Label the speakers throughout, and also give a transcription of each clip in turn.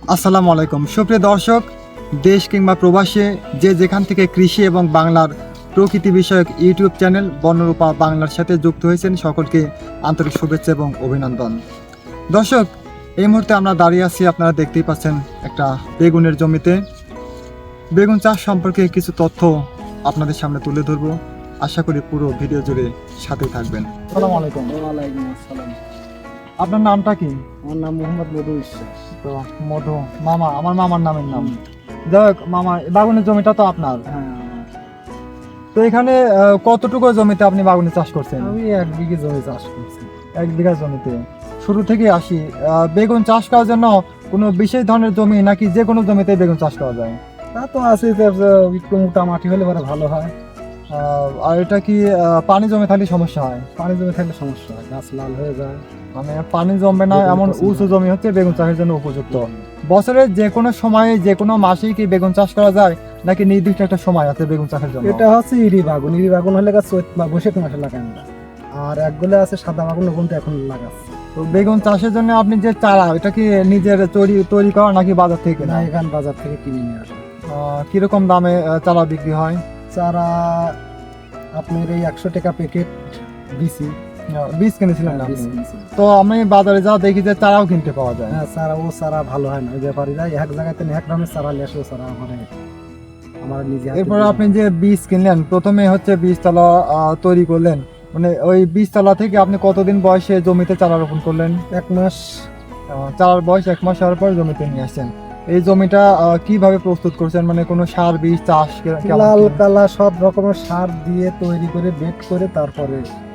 Speaker 1: আসসালামু আলাইকুম সুপ্রিয় দর্শক, দেশ কিংবা প্রবাসে যে যেখান থেকে কৃষি এবং বাংলার প্রকৃতি বিষয়ক ইউটিউব চ্যানেল বনরূপা বাংলার সাথে যুক্ত হয়েছেন সকলকে আন্তরিক শুভেচ্ছা এবং অভিনন্দন। দর্শক, এই মুহূর্তে আমরা দাঁড়িয়ে আছি, আপনারা দেখতেই পাচ্ছেন একটা বেগুনের জমিতে। বেগুন চাষ সম্পর্কে কিছু তথ্য আপনাদের সামনে তুলে ধরবো। আশা করি পুরো ভিডিও জুড়ে সাথে থাকবেন। আসসালামু আলাইকুম।
Speaker 2: ওয়ালাইকুম আসসালাম।
Speaker 1: আপনার নামটা কি?
Speaker 2: আমার নাম মোহাম্মদ মধু বিশ্বাস।
Speaker 1: তো মধু মামা, আমার মামার নামের নাম। যাই হোক মামা, বাগুনের জমিটা তো আপনার।
Speaker 2: হ্যাঁ,
Speaker 1: তো এখানে কতটুকু জমিতে আপনি বাগুনি চাষ করছেন?
Speaker 2: আমি 1 বিঘে জমি চাষ করছি।
Speaker 1: 1 বিঘা জমিতে। শুরু থেকে আসি, বেগুন চাষ করার জন্য কোনো বিশেষ ধরনের জমি নাকি যে কোনো জমিতে বেগুন চাষ করা যায়?
Speaker 2: তা তো আছে, একটু মোটা মাটি হলে পরে ভালো হয়।
Speaker 1: আর এটা কি পানি জমে থাকলে সমস্যা হয়?
Speaker 2: পানি জমে থাকলে সমস্যা হয়, গাছ লাল হয়ে যায়।
Speaker 1: মানে পানি জমবে না
Speaker 2: বেগুন
Speaker 1: এমন
Speaker 2: পছন্দ
Speaker 1: উঁচু
Speaker 2: হয়।
Speaker 1: জমি হচ্ছে বেগুন চাষের জন্য উপযুক্ত। বছরের যে কোনো সময়ে যে কোনো মাসেই কি বেগুন চাষ করা যায় নাকি নির্দিষ্ট একটা সময় আছে বেগুন চাষের জন্য?
Speaker 2: এটা হচ্ছে ইরি বাগুন হলে গাছ চৈত বা বৈশাখ মাসে লাগায় না। আর একগুলো আছে সাদা বাগুন, ওগুলো তো এখন লাগাচ্ছে।
Speaker 1: তো বেগুন চাষের জন্য আপনি যে চারা, এটা কি নিজের তৈরি করা নাকি বাজার থেকে
Speaker 2: না,
Speaker 1: কেনা?
Speaker 2: এখান বাজার থেকে কিনে নিয়ে আসে।
Speaker 1: কিরকম দামে চারা বিক্রি হয়?
Speaker 2: চারা আপনার এই 100 টাকা প্যাকেট দিছি।
Speaker 1: বীজ কিনেছিলেন না
Speaker 2: বীজ
Speaker 1: আপনি?
Speaker 2: কিনছি।
Speaker 1: তো আমি বাজারে যা দেখি যে চারাও কিনতে পাওয়া যায়।
Speaker 2: হ্যাঁ, চারা ভালো হয় না। ওই ব্যাপারীরা এক জায়গাতে এক দামের চারা নিয়ে আসে, ও চারা আমার নিজে হাতে
Speaker 1: এরপর
Speaker 2: দিয়ে
Speaker 1: আপনি যে বীজ কিনলেন, প্রথমে হচ্ছে বীজতলা তৈরি করলেন, মানে ওই বীজতলা থেকে আপনি কতদিন বয়সে জমিতে চারা রোপণ করলেন?
Speaker 2: 1 মাস।
Speaker 1: চারার বয়স 1 মাস হওয়ার পর জমিতে নিয়ে আসছেন। এই জমিটা কিভাবে প্রস্তুত করছেন, মানে কোনো সার বীজ চাষ কেমন
Speaker 2: লাল
Speaker 1: কি?
Speaker 2: কালা সব রকমের সার দিয়ে তৈরি করে বেড করে তারপরে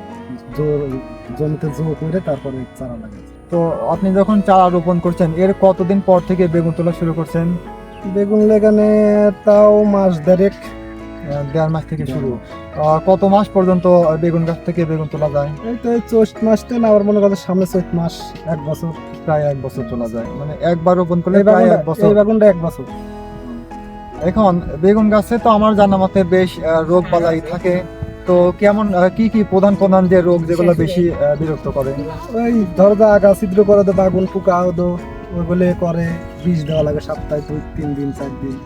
Speaker 2: জমিতে করে তারপরে চারা লাগাচ্ছে।
Speaker 1: তো আপনি যখন চারা রোপণ করছেন এর কতদিন পর থেকে বেগুন তোলা শুরু করছেন?
Speaker 2: বেগুন লাগানে তাও মাস দেড়েক।
Speaker 1: 1.5 মাস থেকে শুরু। কত মাস পর্যন্ত বেগুন গাছ থেকে বেগুন তোলা যায়?
Speaker 2: এই তো এই চৈত মাসটা না, আমার মনে করছে সামনে চৈত মাস 1 বছর।
Speaker 1: প্রায় 1 বছর তোলা যায়, মানে একবার রোপণ করলে প্রায় 1 বছর।
Speaker 2: এই বাগুনটা 1 বছর।
Speaker 1: এখন বেগুন গাছে তো আমার জানা মতে বেশ রোগ বালাই থাকে। তো কেমন কি কি প্রধান যে রোগ যেগুলো বেশি বিরক্ত করে?
Speaker 2: ওই ধরো আগা ছিদ্র করে দো, বাগুন পোকা দো, ওইগুলো করে বীজ দেওয়া লাগে সপ্তাহে 2-3 দিন 4 দিন।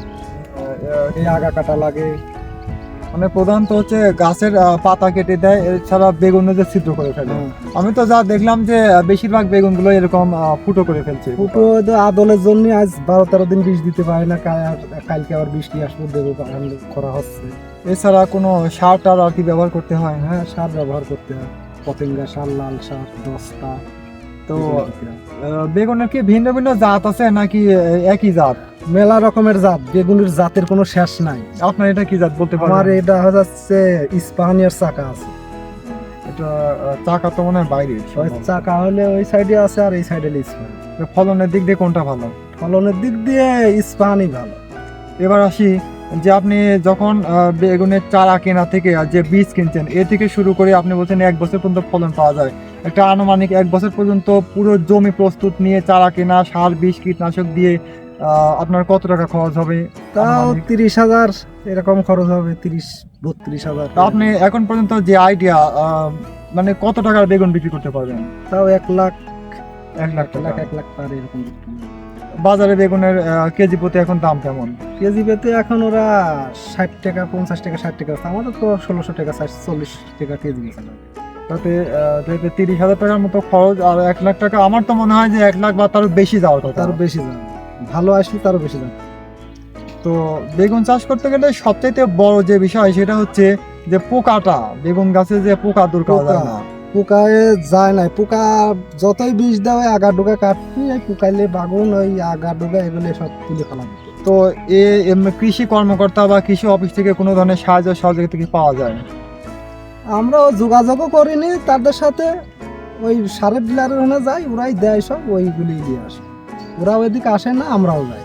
Speaker 2: এই আগা কাটা লাগে।
Speaker 1: মানে প্রধানত হচ্ছে গাছের পাতা কেটে দেয়, এছাড়া বেগুনে যে ছিদ্র করে ফেলে। আমি তো যা দেখলাম যে বেশিরভাগ বেগুনগুলো এরকম ফুটো করে ফেলছে।
Speaker 2: ফুটো আদলের জন্য আজ 12-13 দিন বীজ দিতে পারে না। কালকে আবার বৃষ্টি আসবে, দেবো করা হচ্ছে।
Speaker 1: এছাড়া কোনো সার টার আর কি ব্যবহার করতে হয়?
Speaker 2: হ্যাঁ, সার ব্যবহার করতে হয়। পতেঙ্গা সার, লাল সার 10টা।
Speaker 1: তো বেগুনের কি ভিন্ন ভিন্ন জাত আছে নাকি একই জাত?
Speaker 2: মেলা রকমের জাত, বেগুনের জাতের কোনো শেষ নাই।
Speaker 1: আপনার এটা কি জাত বলতে
Speaker 2: আমার
Speaker 1: পারেন?
Speaker 2: এটা হচ্ছে ইস্পাহানিয়ার চাকা আছে।
Speaker 1: এটা চাকা তো মনে হয় বাইরে।
Speaker 2: ওই চাকা হলে ওই সাইডে আছে আর এই সাইডে ইস্পাহানি।
Speaker 1: ফলনের দিক দিয়ে কোনটা ভালো?
Speaker 2: ফলনের দিক দিয়ে ইস্পাহানি ভালো।
Speaker 1: এবার আসি যে আপনি যখন বেগুনের চারা কেনা থেকে আর যে বীজ কিনছেন এ থেকে শুরু করে আপনি বলছেন 1 বছর পর্যন্ত ফলন পাওয়া যায়। একটা আনুমানিক 1 বছর পর্যন্ত পুরো জমি প্রস্তুত নিয়ে চারা কেনা, সার বীজ কীটনাশক দিয়ে আপনার কত টাকা খরচ হবে?
Speaker 2: তাও
Speaker 1: আনুমানিক?
Speaker 2: 30,000 এরকম খরচ হবে, 30-32,000।
Speaker 1: তা আপনি এখন পর্যন্ত যে আইডিয়া, মানে কত টাকার বেগুন বিক্রি করতে পারবেন?
Speaker 2: তাও 1 লাখ
Speaker 1: 1 লাখ টাকা।
Speaker 2: 1 লাখ পার এরকম বিক্রি হবে।
Speaker 1: বাজারে বেগুনের কেজি প্রতি এখন দাম কেমন?
Speaker 2: কেজি পেতে এখন ওরা 60 টাকা 50 টাকা 60 টাকা, আমাদের তো 1600 টাকা 40 টাকা কেজি বেচা লাগে।
Speaker 1: তাতে যেহেতু 30,000 টাকার মতো খরচ আর 1 লাখ টাকা, আমার তো মনে হয় যে 1 লাখ বা তারও বেশি যাওয়ার কথা।
Speaker 2: তারও বেশি দাম, ভালো আসলে তারও বেশি দাম।
Speaker 1: তো বেগুন চাষ করতে গেলে সবচাইতে বড় যে বিষয় সেটা হচ্ছে যে পোকাটা, বেগুন গাছে যে পোকা দূর করা যায় না।
Speaker 2: পোকায় যায় না, পোকা যতই বিষ দেওয়া আগা ডোকা কাটবি, এই পোকাইলে বাগুন ওই আগা ডোকা এগুলো সব তুলে ফেলা যাবে।
Speaker 1: তো কৃষি কর্মকর্তা বা কৃষি অফিস থেকে কোনো ধরনের সাহায্য সহযোগিতা কি পাওয়া যায়?
Speaker 2: আমরাও যোগাযোগও করিনি তাদের সাথে। ওই সারের ডিলারের ওখানে যাই, ওরাই দেয় সব, ওইগুলি দিয়ে আসে। ওরা ওইদিকে আসে না, আমরাও যাই।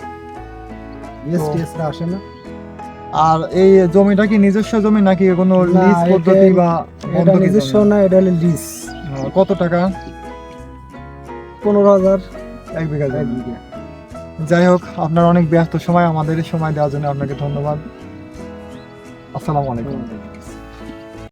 Speaker 2: এসটিএসরা আসে না।
Speaker 1: আর এই জমিটা কি নিজস্ব জমি নাকি কোনো
Speaker 2: না,
Speaker 1: লিজ পদ্ধতি বা
Speaker 2: এটা
Speaker 1: বন্ধকি
Speaker 2: নিজস্ব
Speaker 1: জমি?
Speaker 2: না, এটা হলো লিজ।
Speaker 1: কত টাকা?
Speaker 2: 15,000
Speaker 1: 1 বিঘা
Speaker 2: 1
Speaker 1: জমি।
Speaker 2: বিঘা।
Speaker 1: যাই হোক, আপনার অনেক ব্যস্ত সময়, আমাদের সময় দেওয়ার জন্য আপনাকে ধন্যবাদ। আসসালামু আলাইকুম।